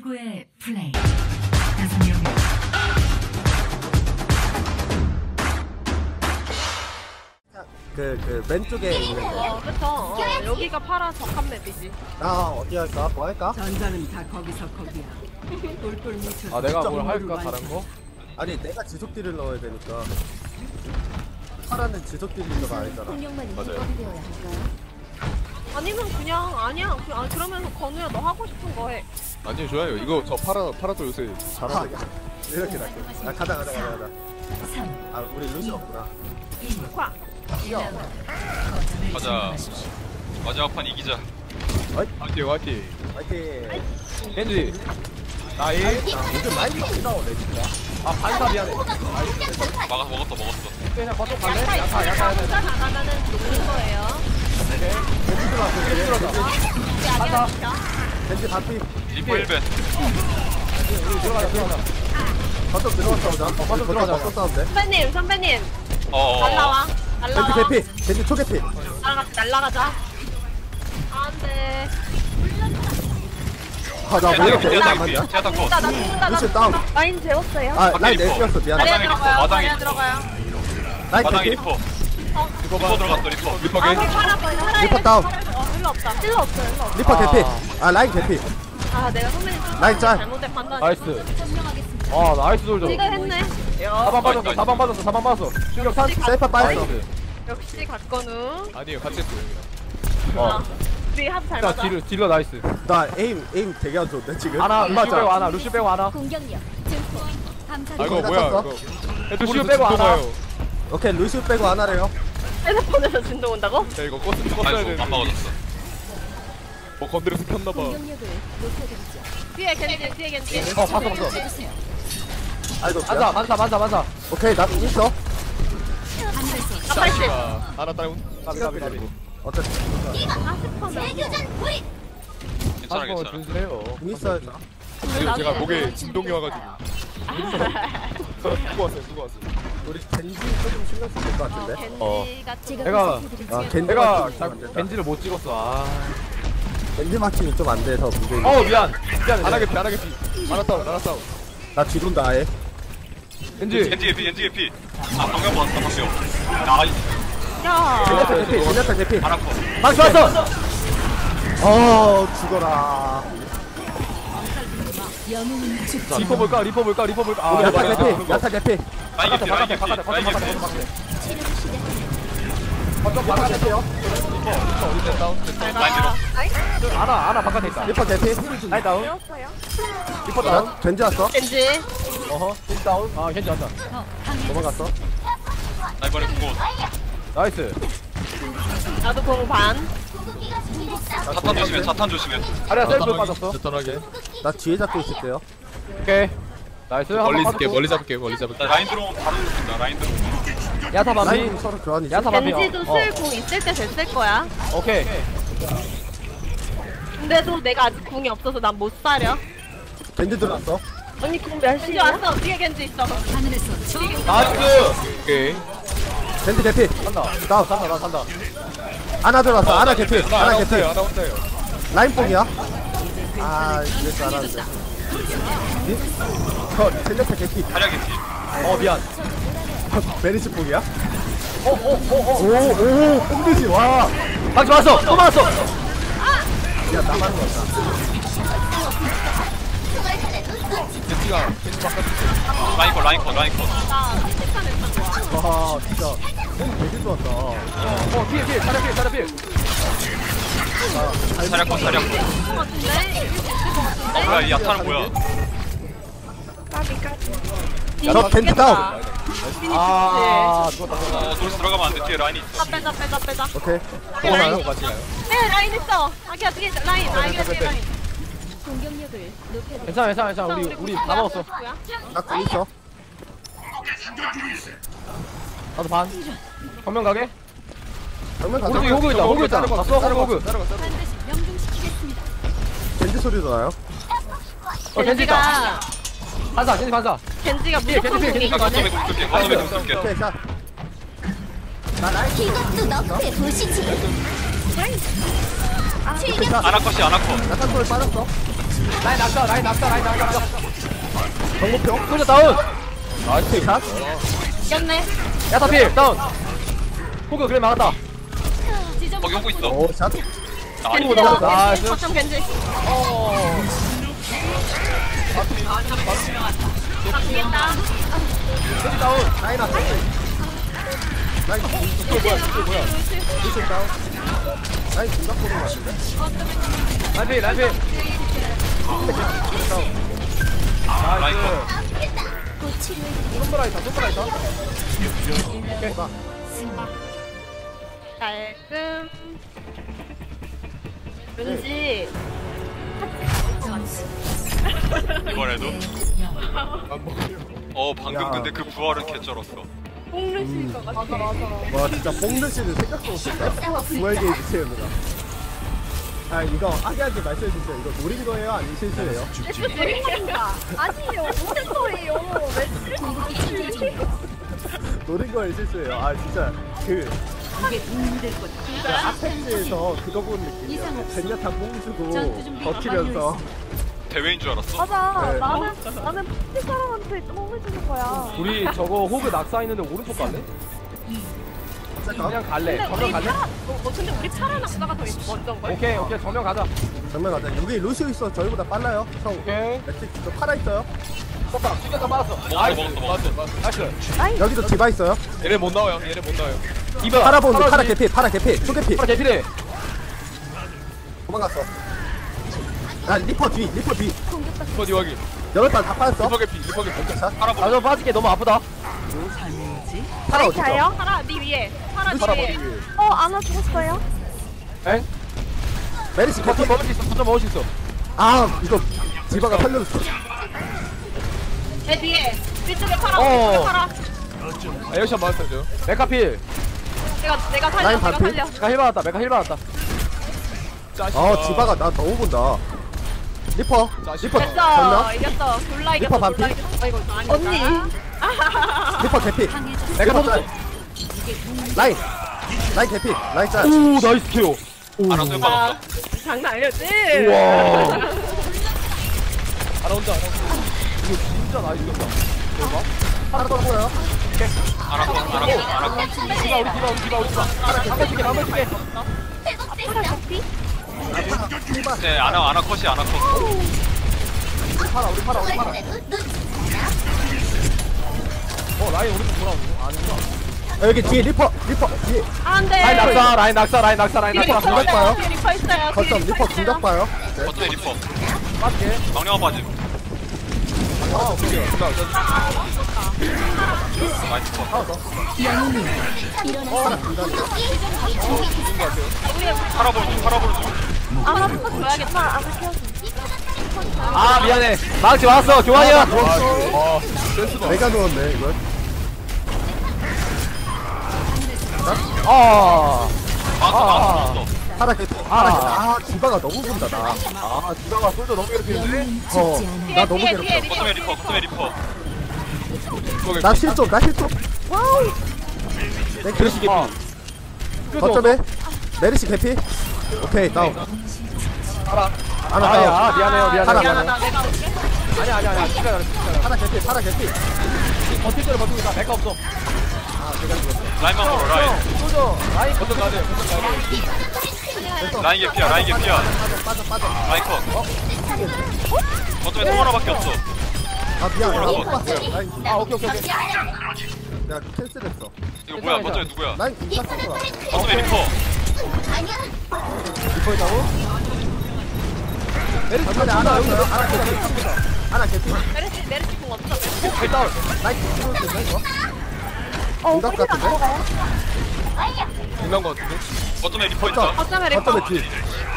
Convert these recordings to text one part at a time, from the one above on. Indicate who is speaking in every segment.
Speaker 1: 최고의 플레이. 다섯 명.
Speaker 2: 그 왼쪽에 있는데.
Speaker 3: 그쵸. 여기가 파란 적합 맵이지.
Speaker 2: 나 어디 할까? 뭐 할까?
Speaker 1: 전자는 다 거기서 거기야. 똘똘 뭉쳐.
Speaker 4: 아 내가 뭘 할까 다른 거?
Speaker 2: 아니 내가 지속 딜을 넣어야 되니까. 파라는 지속 딜러가 아니잖아.
Speaker 4: 맞아요.
Speaker 3: 아니면 그냥 아니야. 그러면서 건우야 너 하고 싶은 거 해.
Speaker 4: 아니요 좋아요. 이거 저 파라도 요새 잘하네.
Speaker 2: 이렇게 낫게. 아 가자.
Speaker 1: 3,
Speaker 2: 아 우리 루시 없구나.
Speaker 1: 1.
Speaker 3: 콱.
Speaker 5: 가자. 마지막 판 이기자.
Speaker 4: 화이팅 화이팅.
Speaker 2: 파이팅.
Speaker 4: 겐지. 나이.
Speaker 2: 요즘 많이 안 나오네 진짜.
Speaker 4: 아 반사 미안해.
Speaker 5: 먹었어.
Speaker 4: 그냥 거쪽 갈래? 야타.
Speaker 3: 혼자 나가면은 녹는 거예요.
Speaker 2: 겐지 들어왔어. 겐지 들어왔어.
Speaker 3: 아니야.
Speaker 2: 겐지 바피.
Speaker 5: 리퍼 1벤.
Speaker 4: 우리 들어가자.
Speaker 2: 거점 들어갔다 오자.
Speaker 4: 거점 들어가자.
Speaker 2: 거점 싸운데.
Speaker 3: 선배님.
Speaker 5: 어어.
Speaker 3: 날라와.
Speaker 2: 겐지 개피. 겐지 초개피.
Speaker 3: 날라가자. 안돼.
Speaker 2: 아나 왜 이렇게 애가 안 맞냐?
Speaker 5: 제가 닦고.
Speaker 3: 나 죽는다.
Speaker 2: 루시 다운.
Speaker 3: 라인 재웠어요.
Speaker 2: 아 라인 내렸어 미안해.
Speaker 5: 마당에
Speaker 3: 들어가요.
Speaker 2: 라인
Speaker 5: 마당에
Speaker 2: 개피.
Speaker 5: 리퍼. 리퍼 들어갔어 리퍼.
Speaker 4: 리퍼
Speaker 3: 아,
Speaker 4: 겐지.
Speaker 2: 리퍼 다운.
Speaker 3: 일로 없다. 일로 없어.
Speaker 2: 리퍼 개피. 아 라인 개피.
Speaker 3: 아, 내가 선배님 좀
Speaker 2: 라인 짤.
Speaker 3: 잘못된 판단.
Speaker 4: 나이스. 아 나이스 돌죠.
Speaker 3: 지가 했네.
Speaker 4: 사방 빠졌어. 충격 탄.
Speaker 2: 세이파 빠졌어.
Speaker 4: 나이스.
Speaker 3: 역시 갓건우.
Speaker 4: 아니에요 같이 했어요.
Speaker 3: 아, 우리 합 잘
Speaker 4: 자
Speaker 3: 맞아.
Speaker 4: 딜러 나이스.
Speaker 2: 나 에임 되게 안 좋은데 지금.
Speaker 4: 루시 빼고 하나.
Speaker 6: 공격력 증폭 감사
Speaker 4: 아 이거
Speaker 2: 거기다
Speaker 4: 뭐야
Speaker 2: 썼어?
Speaker 4: 이거. 루시 빼고 하나.
Speaker 2: 오케이 루시 빼고 안 하래요.
Speaker 3: 핸드폰에서 진동 온다고?
Speaker 4: 야 이거 껐어야
Speaker 5: 아이고
Speaker 4: 되는데.
Speaker 5: 안 막아줬어.
Speaker 4: 뭐 건드려서 켰나봐.
Speaker 6: 공격력을 높여드리죠.
Speaker 3: 뒤에 겐지.
Speaker 4: 봤어.
Speaker 6: 해주세요.
Speaker 2: 아이고.
Speaker 4: 만사.
Speaker 2: 오케이 나 있어.
Speaker 6: 하늘에서
Speaker 3: 80.
Speaker 4: 하나 다운. 까비.
Speaker 2: 어쨌든
Speaker 6: 재교전 불이
Speaker 5: 괜찮아.
Speaker 4: 준수해요.
Speaker 2: 공 있어요.
Speaker 4: 지금 제가 목에 진동이 와가지고. 누구 왔어.
Speaker 2: 우리 겐지 조금 신경 쓰면 될 것 같은데.
Speaker 3: 겐지가
Speaker 6: 제가
Speaker 4: 내가-
Speaker 6: 보살펴드리죠.
Speaker 2: 아 겐지
Speaker 4: 내가
Speaker 2: 마킹이 좀안 된다.
Speaker 4: 겐지를 못 찍었어.
Speaker 2: 겐지 마킹이 좀 안 돼서 문제인.
Speaker 4: 미안. 안 하겠지. 알았다.
Speaker 2: 나 뒤돈다 아예.
Speaker 4: 겐지.
Speaker 5: 겐지 개피. 아 방금 봤다 봤어요. 나
Speaker 3: 야.
Speaker 2: 제냐타 개피.
Speaker 5: 하나코.
Speaker 4: 막 좋았어.
Speaker 2: 죽어라.
Speaker 6: 영웅은 죽지
Speaker 4: 리퍼 볼까? 아
Speaker 2: 야타 개피.
Speaker 5: 라인 개피.
Speaker 4: 바깥에.
Speaker 6: 치료 시대
Speaker 2: 거점 바깥에요.
Speaker 4: 어디 다운?
Speaker 5: 라인 들어.
Speaker 4: 하나 바깥에 있다.
Speaker 2: 리퍼 개피.
Speaker 4: 라인 다운.
Speaker 3: 배웠어요?
Speaker 4: 리퍼 다운.
Speaker 2: 겐지 왔어.
Speaker 3: 겐지.
Speaker 4: 겐지 다운. 아 겐지 왔다.
Speaker 2: 넘어갔어.
Speaker 5: 라인 버리 고.
Speaker 4: 나이스.
Speaker 3: 나도 공 반.
Speaker 5: 자탄 조심해.
Speaker 4: 아리아 셀프 빠졌어.
Speaker 2: 나 뒤에 잡고 있을게요.
Speaker 4: 오케이. 나이스. 멀리 잡을게.
Speaker 5: 나 라인 들어오면 바로 죽는다. 라인 들어오면.
Speaker 4: 야타 밤비.
Speaker 2: 라인 서로 교환이지.
Speaker 4: 야타 밤비.
Speaker 3: 겐지도 쓸공 있을 때 됐을 거야.
Speaker 4: 오케이.
Speaker 3: 근데도 내가 아직 궁이 없어서 난 못 사려.
Speaker 2: 겐지 들어왔어.
Speaker 3: 언니 궁 몇시야? 왔어. 뒤에 겐지 있어.
Speaker 1: 하늘에서
Speaker 4: 나이스. 오케이.
Speaker 2: 겐지 개피.
Speaker 4: 산다.
Speaker 2: 다운.
Speaker 4: 산다.
Speaker 2: 아나 들어왔어. 아나 개피. 아나 개피.
Speaker 4: 하나 혼자요.
Speaker 2: 라인 뽕이야. 아 이럴 줄 알았는데. 제냐타 개피.
Speaker 5: 다리야 개피.
Speaker 4: 미안.
Speaker 2: 베리스 뽕이야?
Speaker 4: 오.
Speaker 2: 뽕드지 와.
Speaker 4: 막 좋았어. 또 맞았어.
Speaker 2: 야 나만 왔다.
Speaker 4: 겐지가
Speaker 5: 라인 컷.
Speaker 3: 나 끔찍한 애 좋아.
Speaker 2: 와 진짜 뽕 되게 좋았다.
Speaker 4: 뒤에 차려 필.
Speaker 5: 다리야 컷.
Speaker 3: 같은데?
Speaker 5: 뭐야 이 야타는 뭐야?
Speaker 2: 저 겐지 다운.
Speaker 4: 죽었다.
Speaker 5: 돌스 들어가면 안 돼. 뒤에 라인이 있어.
Speaker 3: 빼자.
Speaker 2: 오케이.
Speaker 3: 라인.
Speaker 4: 같이 가요.
Speaker 3: 네, 라인 있어. 아기야 뒤에 라인. 아기야 뒤에 라인.
Speaker 6: 공격력을 높여드리죠.
Speaker 4: 괜찮아. 우리 다 먹었어.
Speaker 2: 나공 있어.
Speaker 4: 나도 반. 정면 가게?
Speaker 2: 정면 가자.
Speaker 4: 오른쪽에 호그 있다. 봤어? 호그.
Speaker 6: 반드시 명중시키겠습니다.
Speaker 2: 겐지 소리도 나요.
Speaker 4: 겐지 있다. 반사.
Speaker 3: 겐지가 무조건
Speaker 4: 겐지
Speaker 5: 나
Speaker 3: 공이거든.
Speaker 5: 거점에 좀 쏠게.
Speaker 2: 오케이 자.
Speaker 6: 이것도 너프에 보시지.
Speaker 2: 오케이 자.
Speaker 5: 아나컷이 아나컷.
Speaker 2: 약간 돌 빠졌어.
Speaker 4: 라인 낙사 라인 낙사 라인 낙사.
Speaker 2: 정보평.
Speaker 4: 솔저 다운.
Speaker 2: 나이스 샷.
Speaker 3: 이겼네.
Speaker 4: 야타필 다운. 호그 그래 막았다.
Speaker 5: 거기 오고 있어.
Speaker 2: 오 샷.
Speaker 5: 아니
Speaker 4: 나이스.
Speaker 3: 거점 겐지. 바뀌겠다.
Speaker 4: 겐지 다운.
Speaker 2: 라인 앞에. 라인 뭐야? 루시 다운. 라인 중간 보는 거 같은데?
Speaker 4: 라인필 라인필.
Speaker 5: 라인 컷.
Speaker 6: 곧 치료해.
Speaker 4: 손보라이다 손보라이다.
Speaker 3: 깔끔. 왠지
Speaker 5: 이번에도. 방금
Speaker 2: 야.
Speaker 5: 근데 그 부활은 개쩔었어.
Speaker 3: 뽕르실 것 같아.
Speaker 2: 와 진짜 뽕르시는 생각도 못했다. 부활 게이지 채우느라. 아 이거 아기한테 말씀해주세요. 이거 노린 거예요? 아니면 실수예요?
Speaker 3: 아니에요. 무슨 소리예요?
Speaker 2: 노린 거예요? 실수예요? 아 진짜 그
Speaker 1: 이게 도움이 될 거다.
Speaker 2: 아펙스에서 그거 본 느낌이야. 젠야타 뽕 주고 버티면서
Speaker 5: 대회인 줄 알았어.
Speaker 3: 맞아.
Speaker 2: 네.
Speaker 3: 나는 푸시 사람한테 뽕을 주는 거야.
Speaker 4: 우리 저거 호그 낙사 있는데 오른쪽 갈래? 그냥 갈래. 정면 갈래?
Speaker 3: 근데 우리 파란 낙사가 더 먼저인 걸?
Speaker 4: 오케이 정면 가자.
Speaker 2: 정면 가자. 여기 루시오 있어. 저희보다 빨라요. 형
Speaker 4: 오케이.
Speaker 2: 매트 저 팔아 있어요.
Speaker 4: 떴다. 튀겼다 빠졌어.
Speaker 5: 먹었어.
Speaker 4: 나이스.
Speaker 2: 여기도 디바 있어요.
Speaker 7: 얘네 못 나와요. 얘네 못 나와요.
Speaker 4: 이봐.
Speaker 2: 팔아 보는 팔아 개피 초개피.
Speaker 4: 파라 개피래.
Speaker 2: 도망갔어. 아 리퍼 뒤.
Speaker 7: 어디 여기.
Speaker 2: 여덟 발다 빠졌어.
Speaker 7: 리퍼 개피. 리퍼 개피.
Speaker 4: 나좀 빠질게. 너무 아프다.
Speaker 1: 잘해야지.
Speaker 2: 팔아 어디 있어?
Speaker 3: 자요? 파라 네 위에. 파라
Speaker 2: 팔아
Speaker 3: 뒤에.
Speaker 2: 머리 위에.
Speaker 3: 아나 죽었어요?
Speaker 4: 엥?
Speaker 2: 메리시
Speaker 4: 거점
Speaker 2: 커피.
Speaker 4: 먹을 수 있어. 거점 먹을 수 있어.
Speaker 2: 아 이거 디바가 살려줬어.
Speaker 3: 내 뒤에. 뒤쪽에 파라.
Speaker 4: 어.
Speaker 3: 뒤쪽에 파라.
Speaker 7: 에어샷 맞았어요.
Speaker 4: 메카필.
Speaker 3: 내가 살려.
Speaker 2: 라인
Speaker 3: 내가
Speaker 2: 반피?
Speaker 3: 살려.
Speaker 4: 메카 힐 받았다. 메카 힐 받았다.
Speaker 2: 디바가 나 너무 본다. 리퍼
Speaker 3: 됐어.
Speaker 2: 정면.
Speaker 3: 이겼어. 졸라 이겼어.
Speaker 2: 리퍼 반피?
Speaker 3: 졸라 이겼어. 이거 아니야. 언니.
Speaker 2: 리퍼 개피.
Speaker 4: 메카
Speaker 2: 리퍼
Speaker 4: 떴어.
Speaker 2: 짤. 라인 개피. 라인 짤.
Speaker 4: 오 나이스 케어.
Speaker 5: 알아서 해봤어.
Speaker 3: 아, 장난 아니었지?
Speaker 4: 우와.
Speaker 7: 하나 혼자.
Speaker 4: 이거 진짜 나이스다. 대박.
Speaker 2: 하나 더 보여요.
Speaker 5: 알아서.
Speaker 4: 디바 우리 디바. 한번 줄게.
Speaker 5: 네, 아나 컷이 아나 컷.
Speaker 4: 우리 팔아. 라인 오른쪽 돌아오네. 아니구나.
Speaker 2: 여기 뒤에 리퍼 뒤에.
Speaker 3: 안 돼.
Speaker 4: 라인 낙사.
Speaker 3: 뒤에
Speaker 2: 리퍼
Speaker 3: 리퍼
Speaker 2: 공격 봐요.
Speaker 3: 있어요. 뒤에 리퍼 있어요.
Speaker 2: 거점 리퍼 공격 봐요.
Speaker 5: 어떤 리퍼.
Speaker 4: 빠질게.
Speaker 5: 망령아 빠짐. 나이스 컷. 팔아보는 중.
Speaker 3: 아, 한번 줘야겠다. 아, 키워줘.
Speaker 4: 아 미안해. 망치 왔어. 교환이야.
Speaker 2: 내가 누웠네 이걸.
Speaker 5: 나왔어.
Speaker 2: 하나 개피. 디바가 너무 본다 나.
Speaker 4: 디바가 솔저 너무 괴롭히는데.
Speaker 2: 나 너무
Speaker 3: 뒤에,
Speaker 2: 괴롭혀.
Speaker 3: 뒤에
Speaker 5: 거점에 리퍼.
Speaker 2: 나 실종.
Speaker 4: 그러시 개피.
Speaker 2: 거점에 메리시 개피. 오케이 다운. 하나 다운.
Speaker 4: 아야 미안해요.
Speaker 2: 하나
Speaker 3: 미안하다.
Speaker 2: 많아.
Speaker 3: 내가 올게.
Speaker 4: 아니야. 진짜 잘해.
Speaker 2: 하나 개피.
Speaker 4: 버틸 대로 버티고 있다. 메카 없어.
Speaker 5: 라인만 보러 라인.
Speaker 4: 솔저 라인
Speaker 7: 거점 가야 돼.
Speaker 5: 라인 개피야.
Speaker 2: 빠져.
Speaker 5: 라인 컷. 거점에 통 하나밖에 없어.
Speaker 2: 미안.
Speaker 5: 뭐라고?
Speaker 2: 라인.
Speaker 4: 오케이.
Speaker 2: 내가 캔슬했어.
Speaker 5: 이거 뭐야? 거점에 누구야?
Speaker 2: 라인 찼어.
Speaker 5: 거점에 리퍼.
Speaker 2: 리퍼 있다고? 거점에 하나 있어요. 하나 개피.
Speaker 3: 메르시 공 없어. 메르시.
Speaker 4: 일단
Speaker 2: 라인 개피 되나 이거? 공각 같은데?
Speaker 7: 끝난 거 같은데.
Speaker 5: 거점에 리퍼 있다.
Speaker 3: 거점에 리퍼.
Speaker 2: 거점에 뒤.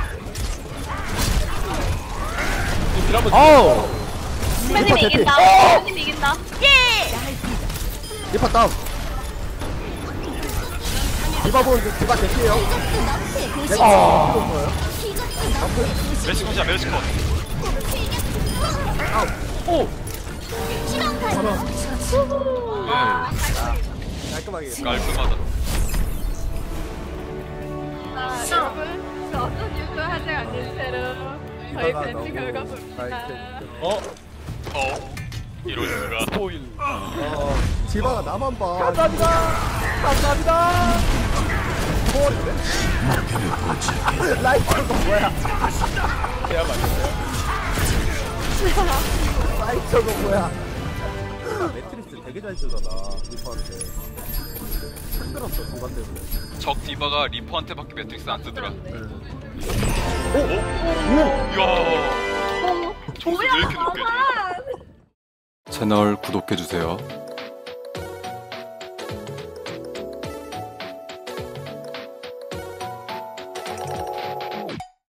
Speaker 7: 딜 한번.
Speaker 4: 어우.
Speaker 3: 선배님이
Speaker 2: 리퍼
Speaker 3: 이긴다.
Speaker 2: 개피.
Speaker 3: 선배님이 이긴다. 예!
Speaker 2: 리퍼 다운. 디바 보는 디바 개피에요.
Speaker 5: 멜시 컷이야. 멜시 컷.
Speaker 4: 오.
Speaker 2: 깔끔하게.
Speaker 5: 깔끔하다.
Speaker 3: 여러분, 저 어떤 유튜브 하지 않는 채로 저희
Speaker 2: 디바가
Speaker 3: 벤츠
Speaker 2: 너무
Speaker 3: 결과물입니다.
Speaker 5: 이럴 수가.
Speaker 7: 스포일.
Speaker 2: 디바가 나만 봐.
Speaker 4: 감사합니다. 감사합니다.
Speaker 2: 초월인데? 라이터가 뭐야?
Speaker 7: 해야 맞겠어요.
Speaker 2: 라이터가 뭐야? 매트리스 되게 잘 쓰잖아 리퍼한테. 힘들었어 공간 때문에.
Speaker 5: 적 디바가 리퍼한테밖에 매트릭스 안 쓰더라.
Speaker 2: 오!
Speaker 5: 이야. 점수 왜 이렇게 높게 줘?
Speaker 8: 채널 구독해주세요.